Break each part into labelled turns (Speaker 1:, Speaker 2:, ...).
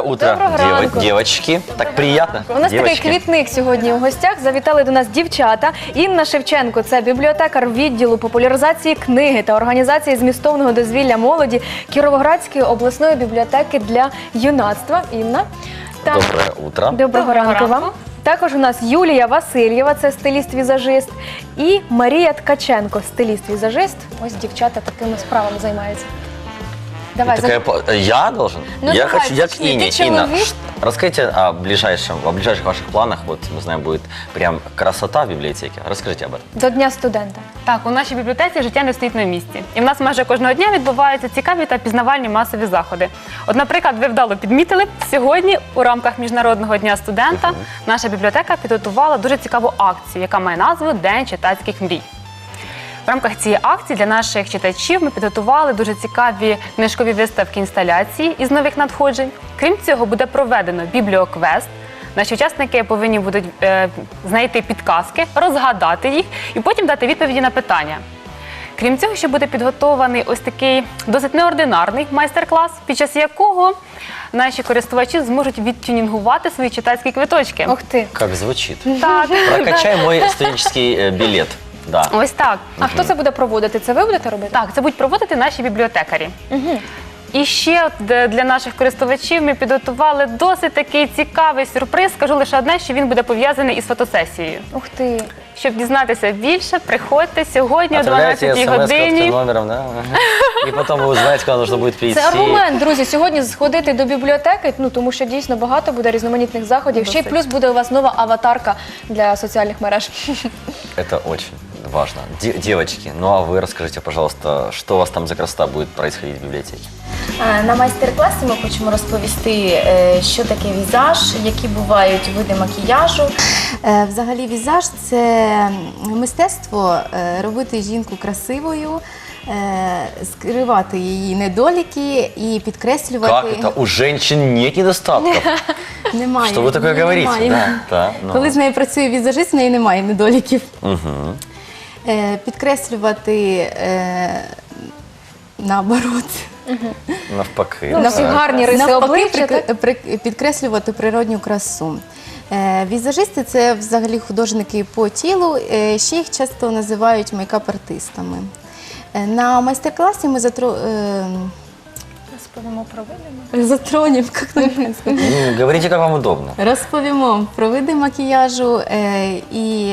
Speaker 1: утро,
Speaker 2: Доброго ранку.
Speaker 1: девочки. Так приятно.
Speaker 2: У нас такий квітник сьогодні у гостях. Завітали до нас дівчата. Інна Шевченко – це бібліотекар відділу популяризації книги та організації змістовного дозвілля молоді Кіровоградської обласної бібліотеки для юнацтва. Інна.
Speaker 1: Доброе утро.
Speaker 2: Доброго ранку вам. Також у нас Юлія Васильєва, це стиліст-візажист, і Марія Ткаченко, стиліст-візажист. Ось дівчата такими справами займаються. Давай,
Speaker 1: Я должен?
Speaker 2: Ну,
Speaker 1: Я
Speaker 2: давай,
Speaker 1: хочу, я к
Speaker 2: начни.
Speaker 1: Инне.
Speaker 2: Ты
Speaker 1: Инна,
Speaker 2: человек?
Speaker 1: расскажите о ближайших ваших планах. Вот, мы знаем, будет прям красота в библиотеке. Расскажите об этом.
Speaker 2: до Дня студента.
Speaker 3: Так, у нашій бібліотеці життя не стоїть на місці. І в нас майже кожного дня відбуваються цікаві та пізнавальні масові заходи. От, наприклад, ви вдало підмітили, сьогодні у рамках Міжнародного дня студента наша бібліотека підготувала дуже цікаву акцію, яка має назву «День читацьких мрій». В рамках цієї акції для наших читачів ми підготували дуже цікаві книжкові виставки інсталяції із нових надходжень. Крім цього, буде проведено бібліоквест. Наші учасники повинні будуть знайти підказки, розгадати їх і потім дати відповіді на питання. Крім цього, ще буде підготований ось такий досить неординарний майстер-клас, під час якого наші користувачі зможуть відтюнінгувати свої читацькі квиточки.
Speaker 2: Ух ти.
Speaker 1: Как звучит.
Speaker 3: Так,
Speaker 1: Прокачай мой студенческий билет. Да.
Speaker 3: ось так.
Speaker 2: А хто це буде проводити? Це ви будете робити?
Speaker 3: Так, це будуть проводити наші бібліотекарі. І ще от для наших користувачів ми підготували досить такий цікавий сюрприз. Скажу лише одне, що він буде пов'язаний із фотосесією.
Speaker 2: Ух ти.
Speaker 3: Щоб дізнатися більше, приходьте сьогодні о
Speaker 1: Отправляйте
Speaker 3: 12-й
Speaker 1: смс
Speaker 3: годині.
Speaker 1: номером, да? И потом вы узнаете, когда нужно будет прийти.
Speaker 2: Це аргумент, друзі, сьогодні сходити до бібліотеки, тому що дійсно багато буде різноманітних заходів. Ще й плюс буде у вас нова аватарка для соціальних мереж.
Speaker 1: Это очень важно. Девочки, ну а вы расскажите, пожалуйста, что у вас там за красота будет происходить в библиотеке?
Speaker 4: На майстер-класі ми хочемо розповісти, що таке візаж, які бувають види макіяжу. Взагалі візаж – це мистецтво робити жінку красивою, скривати її недоліки і підкреслювати.
Speaker 1: Как это? У женщин нет недостатков.
Speaker 4: Немає.
Speaker 1: Что вы такое говорите?
Speaker 4: Немає.
Speaker 1: Да, ну.
Speaker 4: Коли з нею працює візажист, в неї немає недоліків.
Speaker 1: Мгм.
Speaker 4: Підкреслювати наоборот.
Speaker 1: Навпаки.
Speaker 2: Ну, всі гарні риси обличчя,
Speaker 4: Підкреслювати природню красу. Візажисти – це взагалі художники по тілу, ще їх часто називають мейкап-артистами. На майстер-класі ми
Speaker 1: Говорите, как вам удобно.
Speaker 4: розповімо про види макіяжу і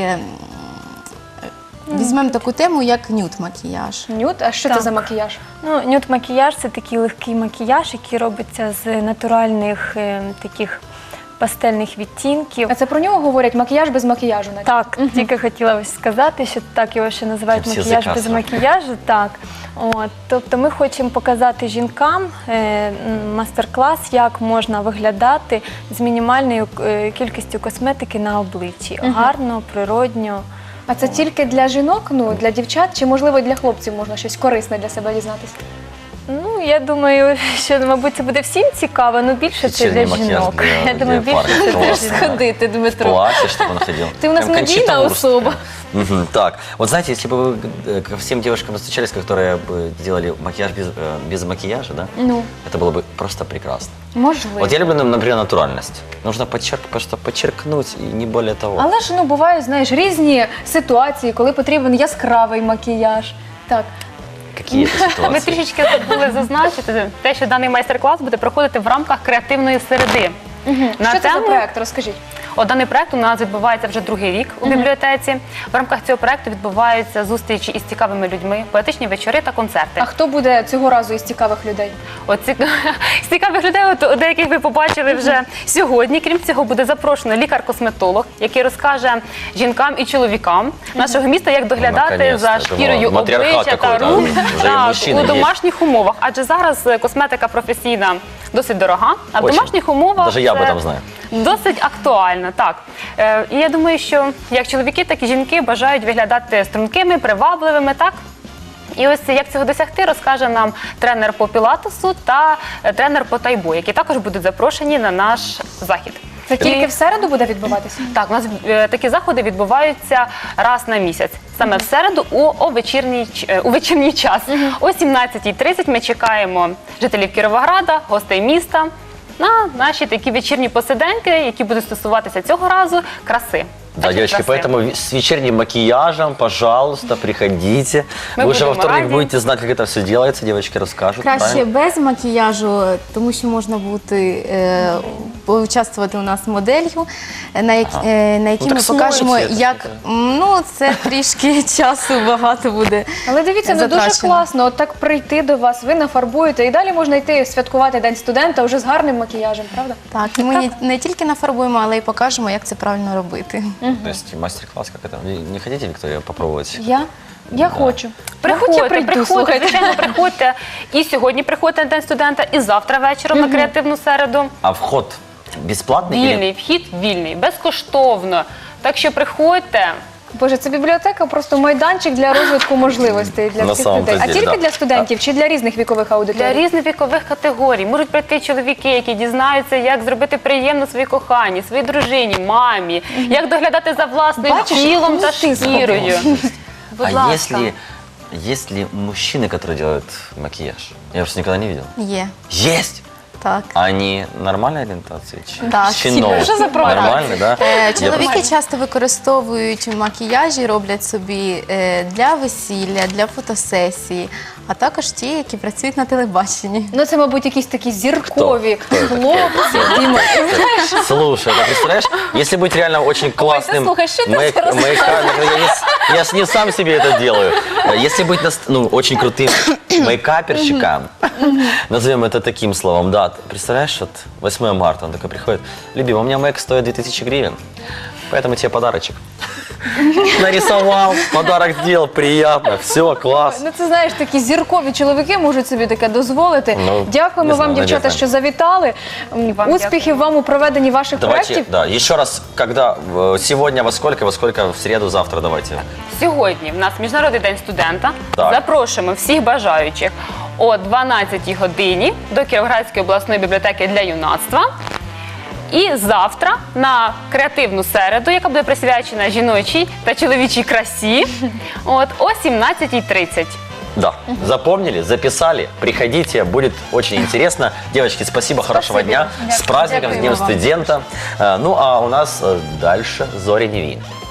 Speaker 4: візьмемо таку тему, як нюд-макіяж.
Speaker 2: Нюд, а що це за макіяж?
Speaker 5: Ну, нюд-макіяж – це такий легкий макіяж, який робиться з натуральних таких пастельних відтінків.
Speaker 2: А це про нього говорять макіяж без макіяжу? навіть?
Speaker 5: Так, тільки хотіла ось сказати, що так його ще називають
Speaker 1: Всі
Speaker 5: макіяж без
Speaker 1: заказали.
Speaker 5: макіяжу. Так. От, тобто ми хочемо показати жінкам мастер-клас, як можна виглядати з мінімальною кількістю косметики на обличчі. Гарно, природньо.
Speaker 2: А це тільки для жінок, для дівчат, чи можливо і для хлопців можна щось корисне для себе дізнатися?
Speaker 5: Ну, я думаю, що, мабуть, це буде всім цікаво, але більше це для
Speaker 1: Вечерний макияж
Speaker 5: жінок.
Speaker 1: для-
Speaker 5: Я думаю,
Speaker 1: для
Speaker 5: більше
Speaker 1: парня.
Speaker 5: це для
Speaker 1: Классно.
Speaker 5: жінок.
Speaker 4: Ходити,
Speaker 1: В
Speaker 4: Дмитро.
Speaker 1: платье, чтобы он ходил.
Speaker 2: Ты у нас
Speaker 1: Прям Кончита
Speaker 2: медийная
Speaker 1: Вурст.
Speaker 2: особа.
Speaker 1: Мгм. Так, вот знаете, если бы вы ко всем девушкам встречались, которые бы делали макияж без макияжа, да?
Speaker 2: Ну,
Speaker 1: Это было бы просто прекрасно.
Speaker 2: можливо.
Speaker 1: Вот я люблю, например, натуральность. Нужно просто подчеркнуть, и не более того.
Speaker 2: Але ж бувають, знаєш, різні ситуації, коли потрібен яскравий макіяж. Так.
Speaker 1: Какие это
Speaker 3: Ми
Speaker 1: ситуации?
Speaker 3: трішечки забули зазначити те, що даний майстер-клас буде проходити в рамках креативної середи.
Speaker 2: Що це за проект? Розкажіть.
Speaker 3: Даний проект у нас відбувається вже другий рік у бібліотеці. В рамках цього проекту відбуваються зустрічі із цікавими людьми, поетичні вечори та концерти.
Speaker 2: А хто буде цього разу із цікавих людей?
Speaker 3: З цікавих людей, деяких ви побачили вже сьогодні. Крім цього, буде запрошено лікар-косметолог, який розкаже жінкам і чоловікам нашого міста, як доглядати за
Speaker 1: Наконец-то.
Speaker 3: шкірою
Speaker 1: Матріархат
Speaker 3: обличчя та
Speaker 1: такой,
Speaker 3: рук
Speaker 1: да? Вже і мужчини
Speaker 3: у
Speaker 1: є.
Speaker 3: домашніх умовах. Адже зараз косметика професійна досить дорога, а в
Speaker 1: Очень.
Speaker 3: домашніх умовах
Speaker 1: Даже я об
Speaker 3: це
Speaker 1: этом знаю.
Speaker 3: досить актуально. Так. І я думаю, що як чоловіки, так і жінки бажають виглядати стрункими, привабливими, так? І ось як цього досягти, розкаже нам тренер по пілатесу та тренер по тайбо, які також будуть запрошені на наш захід.
Speaker 2: Це тільки в середу буде відбуватися?
Speaker 3: Так, у нас такі заходи відбуваються раз на місяць. Саме в середу у вечірній час. О 17:30 ми чекаємо жителів Кіровограда, гостей міста. на наші такі вечірні посиденьки, які будуть стосуватися цього разу краси.
Speaker 1: Да,
Speaker 3: Значить,
Speaker 1: девочки,
Speaker 3: краси.
Speaker 1: поэтому с вечерним макияжем, пожалуйста, приходите.
Speaker 3: Мы
Speaker 1: Вы уже во
Speaker 3: будем
Speaker 1: вторник
Speaker 3: рады.
Speaker 1: будете знать, как это все делается, девочки расскажут.
Speaker 4: Краще
Speaker 1: правильно?
Speaker 4: без макіяжу, тому що можна бути поучаствувати у нас моделлю, на якій
Speaker 1: Ну,
Speaker 4: ми
Speaker 1: так
Speaker 4: покажемо,
Speaker 1: смойте,
Speaker 4: як це трішки часу багато буде.
Speaker 2: Але дивіться, ну дуже
Speaker 4: затрачено.
Speaker 2: класно, от так прийти до вас, ви нафарбуєте і далі можна йти святкувати День студента вже з гарним макіяжем, правда?
Speaker 4: Так, і ми не тільки нафарбуємо, але й покажемо, як це правильно робити.
Speaker 1: То есть мастер-класс, как это? Не хотите, Виктория, попробовать?
Speaker 2: Я хочу.
Speaker 3: Приходьте,
Speaker 2: прийду,
Speaker 3: приходьте,
Speaker 2: слухайте.
Speaker 3: звичайно, приходьте. І сьогодні приходьте на День студента, і завтра вечором на креативну середу.
Speaker 1: А вход бесплатный? или-
Speaker 3: Вільний, вхід вільний, безкоштовно. Так що приходьте.
Speaker 2: Боже, це бібліотека, просто майданчик для розвитку можливостей для
Speaker 1: На
Speaker 2: всіх
Speaker 1: самом-то
Speaker 2: людей. А
Speaker 1: деле,
Speaker 2: тільки
Speaker 1: да.
Speaker 2: для студентів чи для різних вікових
Speaker 3: Для
Speaker 2: аудиторій?
Speaker 3: різних вікових категорій можуть прийти чоловіки, які дізнаються, як зробити приємно своїй коханій, своїй дружині, мамі, як доглядати за власним
Speaker 2: Бачиш,
Speaker 3: тілом та
Speaker 2: ти
Speaker 3: шкірою. Будь
Speaker 1: А
Speaker 3: ласка.
Speaker 1: есть ли мужчины, которые делают макияж? Я просто никогда не видел.
Speaker 4: Є.
Speaker 1: Есть!
Speaker 4: Так.
Speaker 1: А они нормальной ориентации?
Speaker 4: Так.
Speaker 1: Чинов.
Speaker 2: Що за правда?
Speaker 1: Нормальный, да?
Speaker 4: Чоловіки часто використовують макіяжі, роблять собі для весілля, для фотосесії, а також ті, які працюють на телебаченні.
Speaker 2: Ну це, мабуть, якісь такі зіркові
Speaker 1: Хто це
Speaker 2: хлопці. Діма,
Speaker 1: Слушай, ты представляешь, если быть реально очень классным
Speaker 2: слухай, что ты
Speaker 1: я ж не сам себе это делаю. Если быть очень крутым мейкаперщиком, назовем это таким словом, да, представляешь, вот 8 марта он такой приходит, любимый, у меня мейк стоит 2000 гривен, поэтому тебе подарочек. Нарисовал, подарок сделал, приятно, все, класс.
Speaker 2: ну це знаєш, такі зіркові чоловіки можуть собі таке дозволити.
Speaker 1: Ну,
Speaker 2: Дякуємо
Speaker 1: не знаю,
Speaker 2: вам, дівчата,
Speaker 1: надіюсь,
Speaker 2: що завітали.
Speaker 3: Вам
Speaker 2: Успіхів вам у проведенні ваших
Speaker 1: Давайте,
Speaker 2: проєктів.
Speaker 1: да, еще раз, когда, сегодня во сколько, в среду, завтра, давайте.
Speaker 3: Сьогодні в нас Міжнародний день студента.
Speaker 1: Так.
Speaker 3: Запрошуємо всіх бажаючих о 12-й годині до Кіровоградської обласної бібліотеки для юнацтва. І завтра на креативну середу, яка буде присвячена жіночій та чоловічій красі, о 17:30.
Speaker 1: Да, запомнили, записали, приходите, будет очень интересно. Девочки, спасибо, хорошего дня, с праздником, с Днем
Speaker 4: Дякуємо вам.
Speaker 1: студента. Ну, а у нас дальше Зоря Невин.